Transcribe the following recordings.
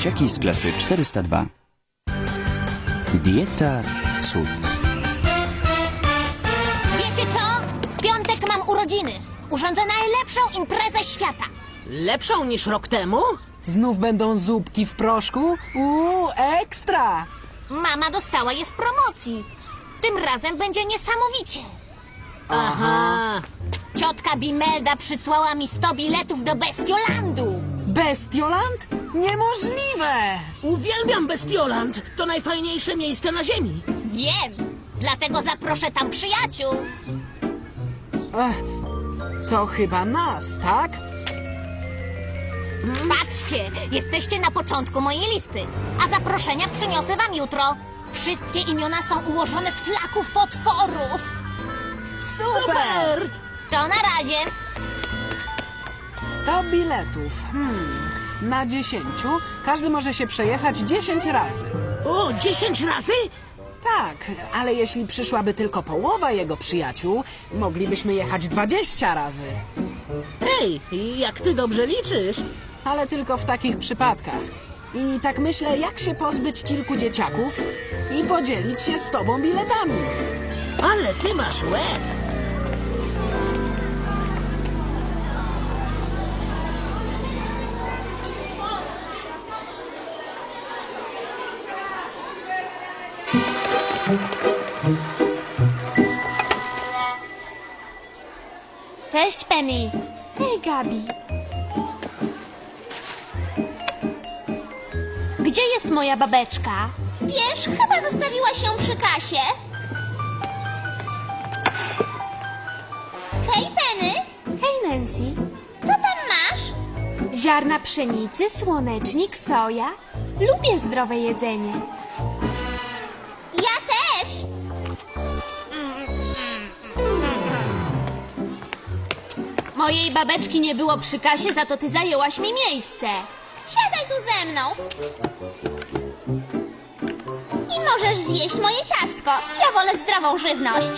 Dzieciaki z klasy 402. Dieta cud. Wiecie co? W piątek mam urodziny. Urządzę najlepszą imprezę świata. Lepszą niż rok temu? Znów będą zupki w proszku? Ekstra! Mama dostała je w promocji. Tym razem będzie niesamowicie. Aha. Ciotka Bimelda przysłała mi 100 biletów do Bestiolandu. Bestioland? Niemożliwe! Uwielbiam Bestioland. To najfajniejsze miejsce na ziemi. Wiem, dlatego zaproszę tam przyjaciół. To chyba nas, tak? Patrzcie, jesteście na początku mojej listy, a zaproszenia przyniosę wam jutro. Wszystkie imiona są ułożone z flaków potworów. Super! To na razie. 100 biletów. Na 10 każdy może się przejechać 10 razy. O, 10 razy? Tak, ale jeśli przyszłaby tylko połowa jego przyjaciół, moglibyśmy jechać 20 razy. Hej, jak ty dobrze liczysz. Ale tylko w takich przypadkach. I tak myślę, jak się pozbyć kilku dzieciaków i podzielić się z tobą biletami. Ale ty masz łeb. Cześć, Penny. Hej, Gabi. Gdzie jest moja babeczka? Wiesz, chyba zostawiła się przy kasie. Hej, Penny. Hej, Nancy. Co tam masz? Ziarna pszenicy, słonecznik, soja. Lubię zdrowe jedzenie. Ja też. Mojej babeczki nie było przy kasie, za to ty zajęłaś mi miejsce. Siadaj tu ze mną. I możesz zjeść moje ciastko. Ja wolę zdrową żywność.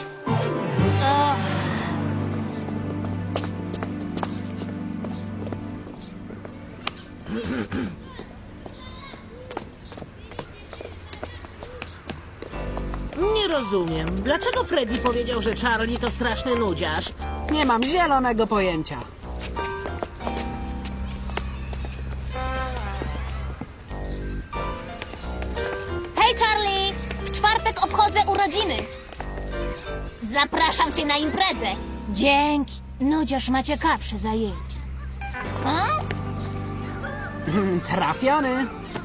Nie rozumiem. Dlaczego Freddy powiedział, że Charlie to straszny nudziarz? Nie mam zielonego pojęcia. Hej, Charlie! W czwartek obchodzę urodziny. Zapraszam cię na imprezę. Dzięki. Nudziarz ma ciekawsze zajęcie. A? Trafiony.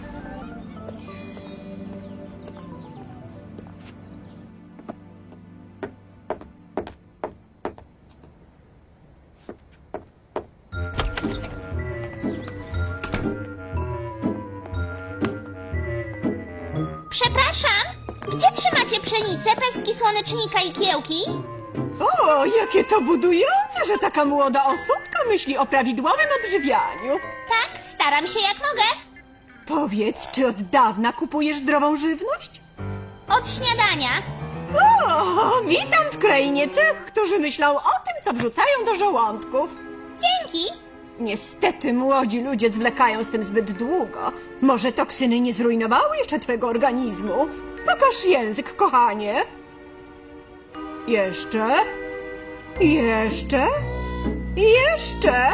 Przepraszam, gdzie trzymacie pszenicę, pestki słonecznika i kiełki? O, jakie to budujące, że taka młoda osóbka myśli o prawidłowym odżywianiu. Tak, staram się jak mogę. Powiedz, czy od dawna kupujesz zdrową żywność? Od śniadania. O, witam w krainie tych, którzy myślą o tym, co wrzucają do żołądków. Dzięki. Niestety młodzi ludzie zwlekają z tym zbyt długo. Może toksyny nie zrujnowały jeszcze twego organizmu? Pokaż język, kochanie. Jeszcze? Jeszcze? Jeszcze?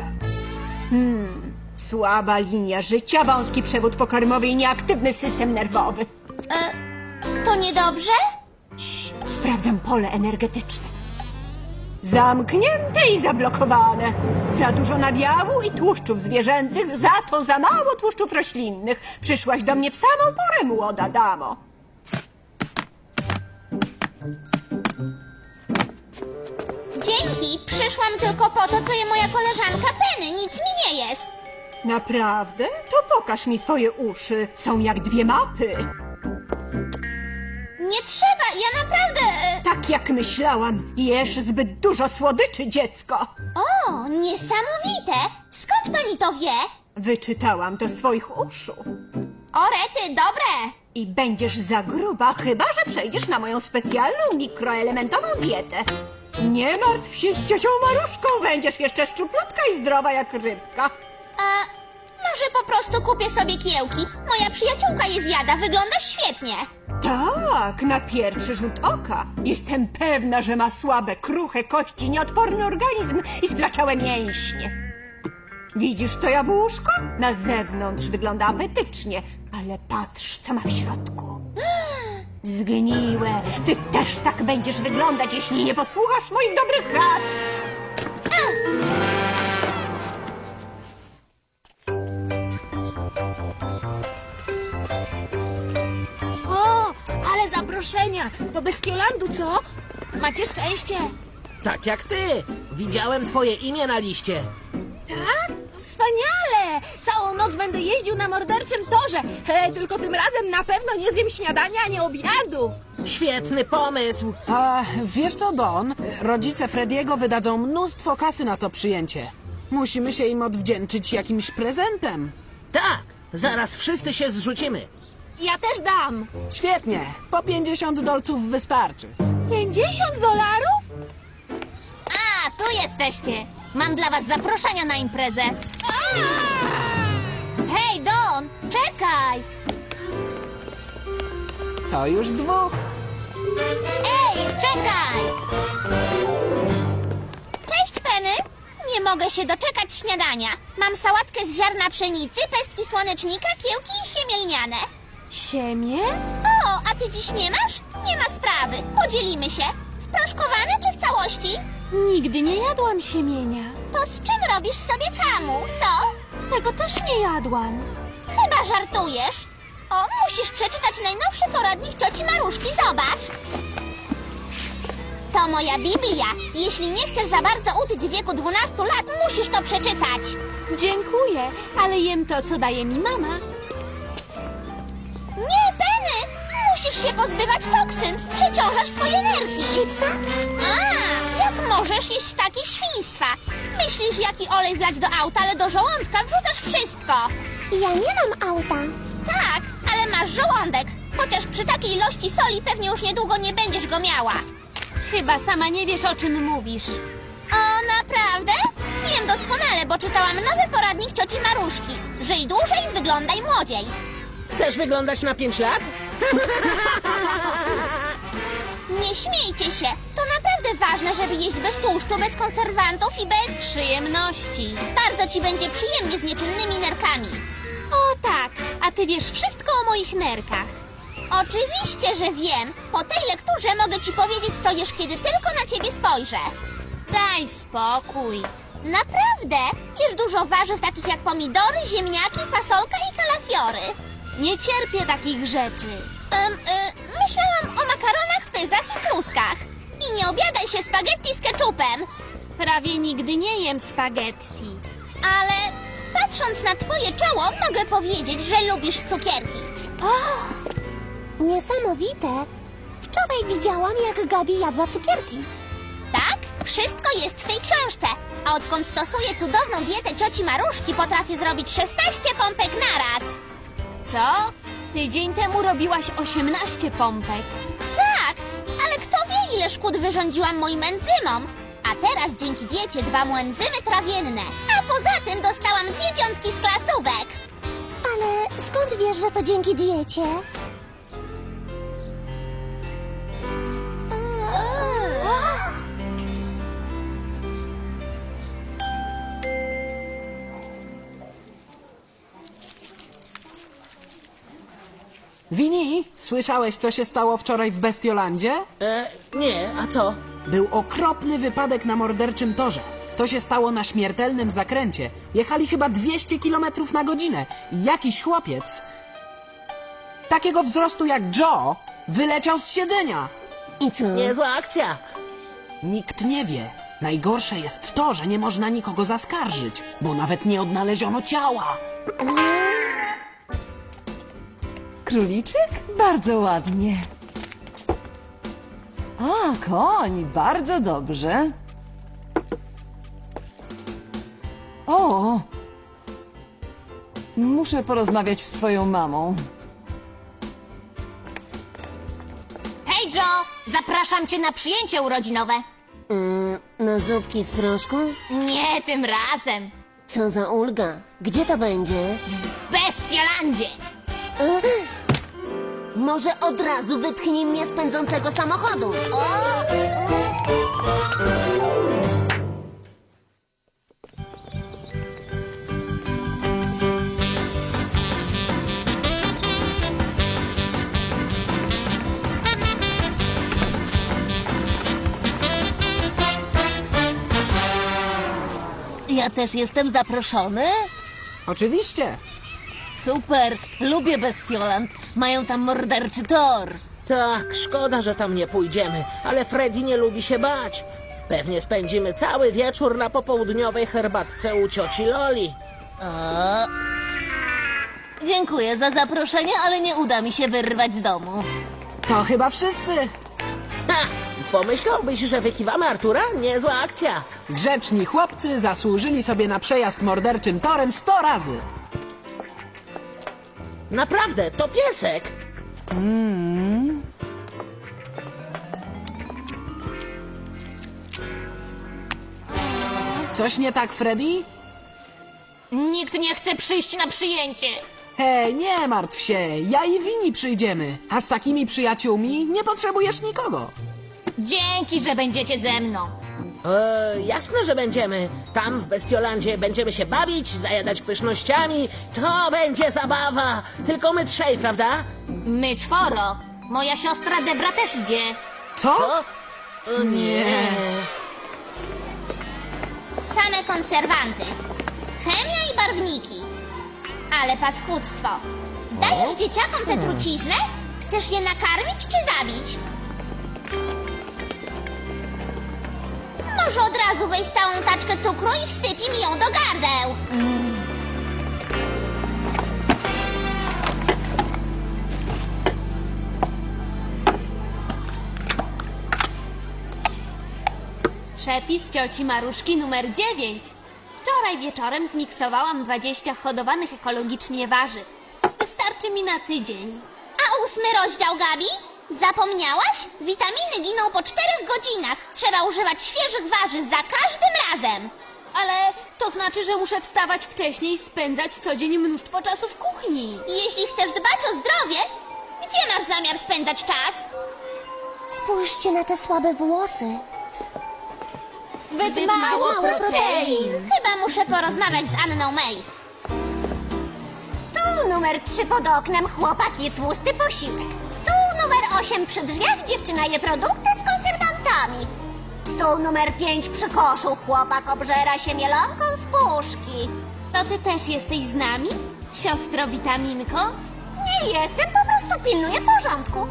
Słaba linia życia, wąski przewód pokarmowy i nieaktywny system nerwowy. To niedobrze? Sprawdzam pole energetyczne. Zamknięte i zablokowane. Za dużo nabiału i tłuszczów zwierzęcych, za to za mało tłuszczów roślinnych. Przyszłaś do mnie w samą porę, młoda damo. Dzięki, przyszłam tylko po to, co je moja koleżanka Penny. Nic mi nie jest. Naprawdę? To pokaż mi swoje uszy. Są jak dwie mapy. Nie trzeba, ja naprawdę... Tak jak myślałam, jesz zbyt dużo słodyczy, dziecko. O, niesamowite. Skąd pani to wie? Wyczytałam to z twoich uszu. O, rety, dobre. I będziesz za gruba, chyba że przejdziesz na moją specjalną mikroelementową dietę. Nie martw się z ciocią Maruszką, będziesz jeszcze szczuplutka i zdrowa jak rybka. może po prostu kupię sobie kiełki? Moja przyjaciółka je zjada, wygląda świetnie. Tak, na pierwszy rzut oka. Jestem pewna, że ma słabe, kruche kości, nieodporny organizm i splaczałe mięśnie. Widzisz to jabłuszko? Na zewnątrz wygląda apetycznie, ale patrz, co ma w środku. Zgniłe. Ty też tak będziesz wyglądać, jeśli nie posłuchasz moich dobrych rad. O, ale zaproszenia! Do Bestiolandu, co? Macie szczęście. Tak jak ty. Widziałem twoje imię na liście. Tak? To wspaniale! Całą noc będę jeździł na morderczym torze. Tylko tym razem na pewno nie zjem śniadania ani obiadu. Świetny pomysł. A wiesz co, Don? Rodzice Frediego wydadzą mnóstwo kasy na to przyjęcie. Musimy się im odwdzięczyć jakimś prezentem. Tak, zaraz wszyscy się zrzucimy. Ja też dam. Świetnie, po 50 dolców wystarczy. $50? A, tu jesteście. Mam dla was zaproszenia na imprezę. Hej, Don, czekaj! To już dwóch. Ej, czekaj! Cześć, Penny. Nie mogę się doczekać śniadania. Mam sałatkę z ziarna pszenicy, pestki słonecznika, kiełki i siemię lniane. Siemię? O, a ty dziś nie masz? Nie ma sprawy. Podzielimy się. Sproszkowane czy w całości? Nigdy nie jadłam siemienia. To z czym robisz sobie kamu, co? Tego też nie jadłam. Chyba żartujesz. O, musisz przeczytać najnowszy poradnik cioci Maruszki, zobacz. To moja Biblia. Jeśli nie chcesz za bardzo utyć w wieku 12 lat, musisz to przeczytać. Dziękuję, ale jem to, co daje mi mama. Nie, Penny! Musisz się pozbywać toksyn. Przeciążasz swoje nerki. Chipsa? A, jak możesz jeść takie świństwa? Myślisz, jaki olej wlać do auta, ale do żołądka wrzucasz wszystko. Ja nie mam auta. Tak, ale masz żołądek. Chociaż przy takiej ilości soli pewnie już niedługo nie będziesz go miała. Chyba sama nie wiesz, o czym mówisz. O, naprawdę? Wiem doskonale, bo czytałam nowy poradnik cioci Maruszki. Żyj dłużej, wyglądaj młodziej. Chcesz wyglądać na 5 lat? Nie śmiejcie się. To naprawdę ważne, żeby jeść bez tłuszczu, bez konserwantów i bez... Przyjemności. Bardzo ci będzie przyjemnie z nieczynnymi nerkami. O tak, a ty wiesz wszystko o moich nerkach. Oczywiście, że wiem. Po tej lekturze mogę ci powiedzieć, co jesz, kiedy tylko na ciebie spojrzę. Daj spokój. Naprawdę? Jesz dużo warzyw takich jak pomidory, ziemniaki, fasolka i kalafiory. Nie cierpię takich rzeczy. Myślałam o makaronach, pyzach i kluskach. I nie obiadaj się spaghetti z ketchupem. Prawie nigdy nie jem spaghetti. Ale patrząc na twoje czoło, mogę powiedzieć, że lubisz cukierki. Niesamowite. Wczoraj widziałam, jak Gabi jadła cukierki. Tak? Wszystko jest w tej książce. A odkąd stosuję cudowną dietę cioci Maruszki, potrafię zrobić 16 pompek naraz. Co? Tydzień temu robiłaś 18 pompek. Tak, ale kto wie, ile szkód wyrządziłam moim enzymom. A teraz dzięki diecie dbam o enzymy trawienne. A poza tym dostałam 2 piątki z klasówek. Ale skąd wiesz, że to dzięki diecie? Winnie, słyszałeś, co się stało wczoraj w Bestiolandzie? Nie, a co? Był okropny wypadek na morderczym torze. To się stało na śmiertelnym zakręcie. Jechali chyba 200 km na godzinę i jakiś chłopiec, takiego wzrostu jak Joe, wyleciał z siedzenia. I co? Niezła akcja. Nikt nie wie. Najgorsze jest to, że nie można nikogo zaskarżyć, bo nawet nie odnaleziono ciała. Króliczek? Bardzo ładnie. A, koń, bardzo dobrze. O! Muszę porozmawiać z twoją mamą. Hej, Joe, zapraszam cię na przyjęcie urodzinowe. Na zupki z proszku? Nie tym razem. Co za ulga. Gdzie to będzie? Bestiolandzie! Może od razu wypchnij mnie z pędzącego samochodu. Ja też jestem zaproszony? Oczywiście. Super, lubię Bestioland. Mają tam morderczy tor. Tak, szkoda, że tam nie pójdziemy, ale Freddy nie lubi się bać. Pewnie spędzimy cały wieczór na popołudniowej herbatce u cioci Loli. Dziękuję za zaproszenie, ale nie uda mi się wyrwać z domu. To chyba wszyscy. Ha! Pomyślałbyś, że wykiwamy Artura? Niezła akcja. Grzeczni chłopcy zasłużyli sobie na przejazd morderczym torem 100 razy. Naprawdę, to piesek. Coś nie tak, Freddy? Nikt nie chce przyjść na przyjęcie. Hej, nie martw się, ja i Winnie przyjdziemy. A z takimi przyjaciółmi nie potrzebujesz nikogo. Dzięki, że będziecie ze mną. Jasne, że będziemy. Tam w Bestiolandzie będziemy się bawić, zajadać pysznościami. To będzie zabawa. Tylko my trzej, prawda? My 4. Moja siostra Debra też idzie. Co? O nie. Same konserwanty. Chemia i barwniki. Ale paskudztwo. Dajesz dzieciakom tę truciznę? Chcesz je nakarmić czy zabić? Może od razu weź całą taczkę cukru i wsypij mi ją do gardeł. Przepis cioci Maruszki numer 9. Wczoraj wieczorem zmiksowałam 20 hodowanych ekologicznie warzyw. Wystarczy mi na tydzień. A 8 rozdział, Gabi? Zapomniałaś? Witaminy giną po 4 godzinach. Trzeba używać świeżych warzyw za każdym razem. Ale to znaczy, że muszę wstawać wcześniej i spędzać co dzień mnóstwo czasu w kuchni. Jeśli chcesz dbać o zdrowie, gdzie masz zamiar spędzać czas? Spójrzcie na te słabe włosy. Zbyt mało protein. Chyba muszę porozmawiać z Anną May. Stół numer 3 pod oknem, chłopak je tłusty posiłek. Stół numer 8 przy drzwiach, dziewczyna je produkty z konserwantami. Stół numer 5 przy koszu, chłopak obżera się mielonką z puszki. To ty też jesteś z nami? Siostro Witaminko? Nie jestem, po prostu pilnuję porządku.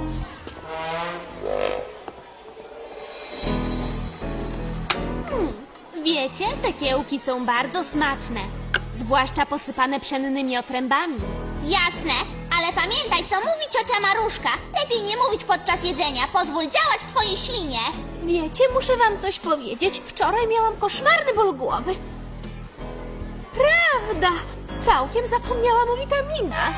Wiecie, te kiełki są bardzo smaczne. Zwłaszcza posypane pszennymi otrębami. Jasne, ale pamiętaj, co mówi ciocia Maruszka. Lepiej nie mówić podczas jedzenia. Pozwól działać twojej ślinie. Wiecie, muszę wam coś powiedzieć. Wczoraj miałam koszmarny ból głowy. Prawda! Całkiem zapomniałam o witaminach.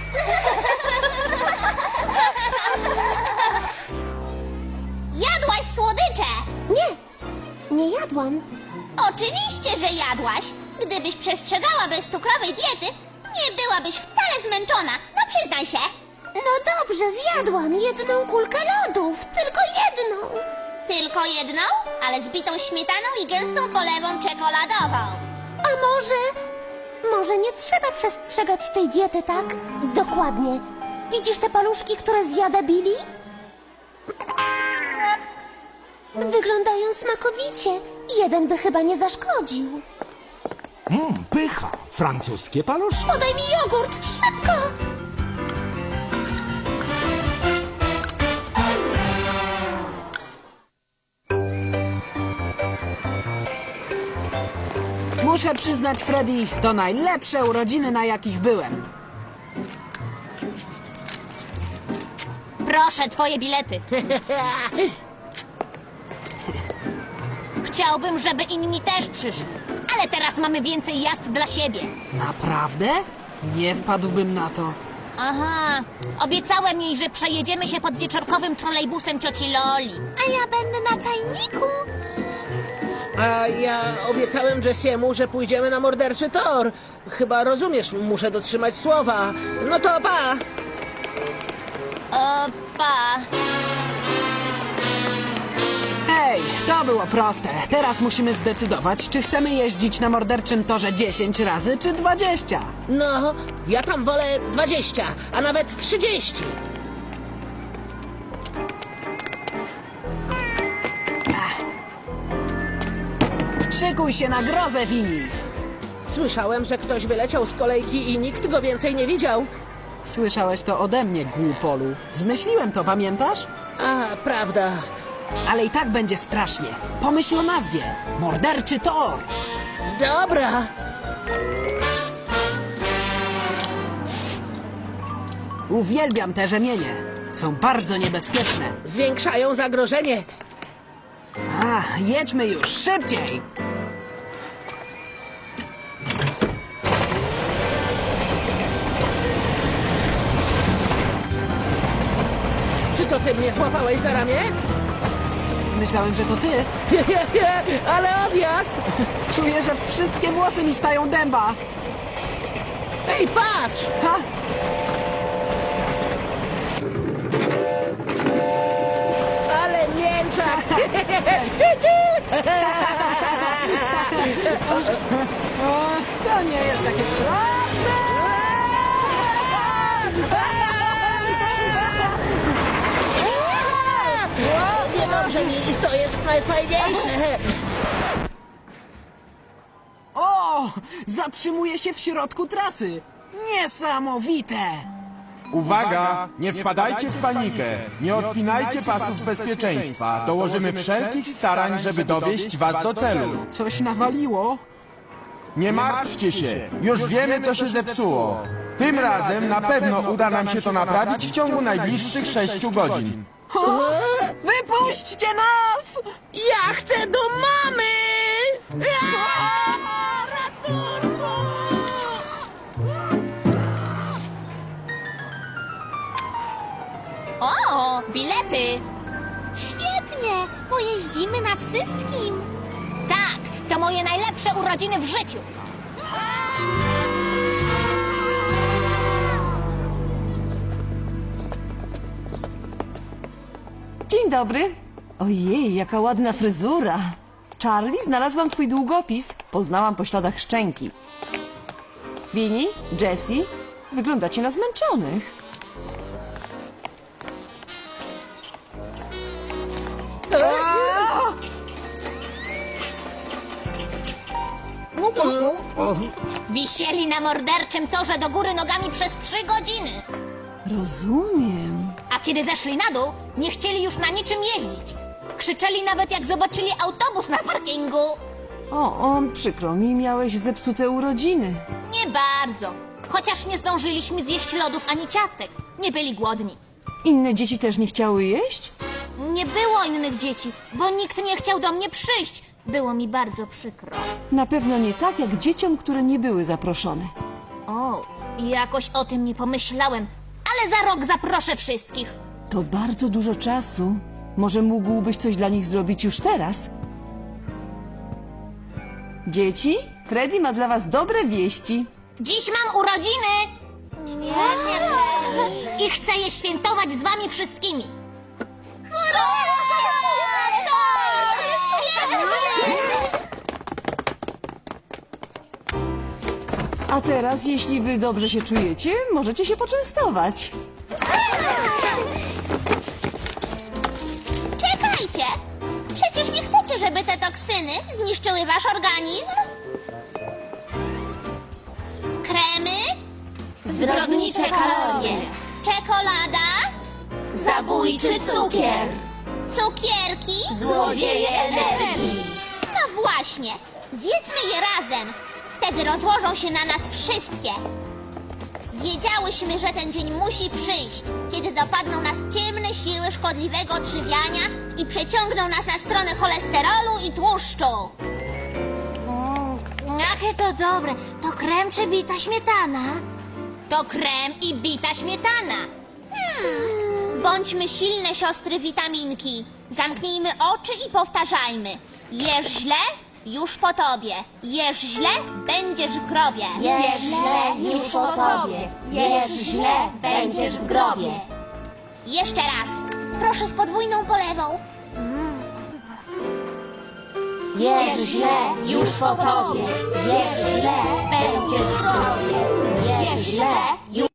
Jadłaś słodycze! Nie jadłam. Oczywiście, że jadłaś. Gdybyś przestrzegała bezcukrowej diety, nie byłabyś wcale zmęczona. No przyznaj się. No dobrze, zjadłam jedną kulkę lodów. Tylko jedną. Tylko jedną, ale z bitą śmietaną i gęstą polewą czekoladową. A może nie trzeba przestrzegać tej diety, tak? Dokładnie. Widzisz te paluszki, które zjada Billy? Wyglądają smakowicie. Jeden by chyba nie zaszkodził. Pycha. Francuskie paluszki. Podaj mi jogurt, szybko! Muszę przyznać, Freddy, to najlepsze urodziny, na jakich byłem. Proszę, twoje bilety. Chciałbym, żeby inni też przyszli. Ale teraz mamy więcej jazd dla siebie. Naprawdę? Nie wpadłbym na to. Aha, obiecałem jej, że przejedziemy się pod wieczorkowym trolejbusem cioci Loli. A ja będę na cajniku. A ja obiecałem Jessiemu, że pójdziemy na morderczy tor. Chyba rozumiesz, muszę dotrzymać słowa. No to pa! Pa. Hej, to było proste. Teraz musimy zdecydować, czy chcemy jeździć na morderczym torze 10 razy, czy 20. No, ja tam wolę 20, a nawet 30. Szykuj się na grozę, Wini. Słyszałem, że ktoś wyleciał z kolejki i nikt go więcej nie widział. Słyszałeś to ode mnie, głupolu. Zmyśliłem to, pamiętasz? A, prawda. Ale i tak będzie strasznie. Pomyśl o nazwie. Morderczy tor. Dobra. Uwielbiam te rzemienie. Są bardzo niebezpieczne. Zwiększają zagrożenie. Jedźmy już, szybciej! Czy to ty mnie złapałeś za ramię? Myślałem, że to ty. Ale odjazd! Czuję, że wszystkie włosy mi stają dęba. Ej, patrz! Ha? Ale mięczak! To nie jest takie straszne! Niedobrze mi, to jest najfajniejsze. O! Zatrzymuje się w środku trasy. Niesamowite! Uwaga! Nie wpadajcie w panikę! Nie odpinajcie pasów bezpieczeństwa. Dołożymy wszelkich starań, żeby dowieść was do celu. Coś nawaliło? Nie martwcie się! Już wiemy, co się zepsuło. Tym razem na pewno uda nam się to naprawić w ciągu najbliższych 6 godzin. O! Wypuśćcie nas! Ja chcę do mamy! Ratunku! O, bilety! Świetnie! Pojeździmy na wszystkim. Tak, to moje najlepsze urodziny w życiu. Dzień dobry. Ojej, jaka ładna fryzura. Charlie, znalazłam twój długopis. Poznałam po śladach szczęki. Winnie, Jessie, wyglądacie na zmęczonych. Wisieli na morderczym torze do góry nogami przez 3 godziny. Rozumiem. A kiedy zeszli na dół, nie chcieli już na niczym jeździć. Krzyczeli nawet jak zobaczyli autobus na parkingu. Przykro mi, miałeś zepsute urodziny. Nie bardzo. Chociaż nie zdążyliśmy zjeść lodów ani ciastek. Nie byli głodni. Inne dzieci też nie chciały jeść? Nie było innych dzieci, bo nikt nie chciał do mnie przyjść. Było mi bardzo przykro. Na pewno nie tak jak dzieciom, które nie były zaproszone. O, jakoś o tym nie pomyślałem. Ale za rok zaproszę wszystkich. To bardzo dużo czasu. Może mógłbyś coś dla nich zrobić już teraz? Dzieci, Freddy ma dla was dobre wieści. Dziś mam urodziny! I chcę je świętować z wami wszystkimi. A teraz, jeśli wy dobrze się czujecie, możecie się poczęstować. Czekajcie! Przecież nie chcecie, żeby te toksyny zniszczyły wasz organizm? Kremy? Zbrodnicze kalorie. Czekolada? Zabójczy cukier. Cukierki? Złodzieje energii. No właśnie, zjedzmy je razem. Wtedy rozłożą się na nas wszystkie. Wiedziałyśmy, że ten dzień musi przyjść, kiedy dopadną nas ciemne siły szkodliwego odżywiania i przeciągną nas na stronę cholesterolu i tłuszczu. Jakie to dobre. To krem czy bita śmietana? To krem i bita śmietana. Bądźmy silne siostry witaminki. Zamknijmy oczy i powtarzajmy. Jesz źle, już po tobie. Jesz źle, będziesz w grobie. Jesz źle, już po tobie. Jesz źle, będziesz w grobie. Jeszcze raz. Proszę z podwójną polewą. Jesz źle, już po tobie. Jesz źle, będziesz w grobie. Jesz źle, już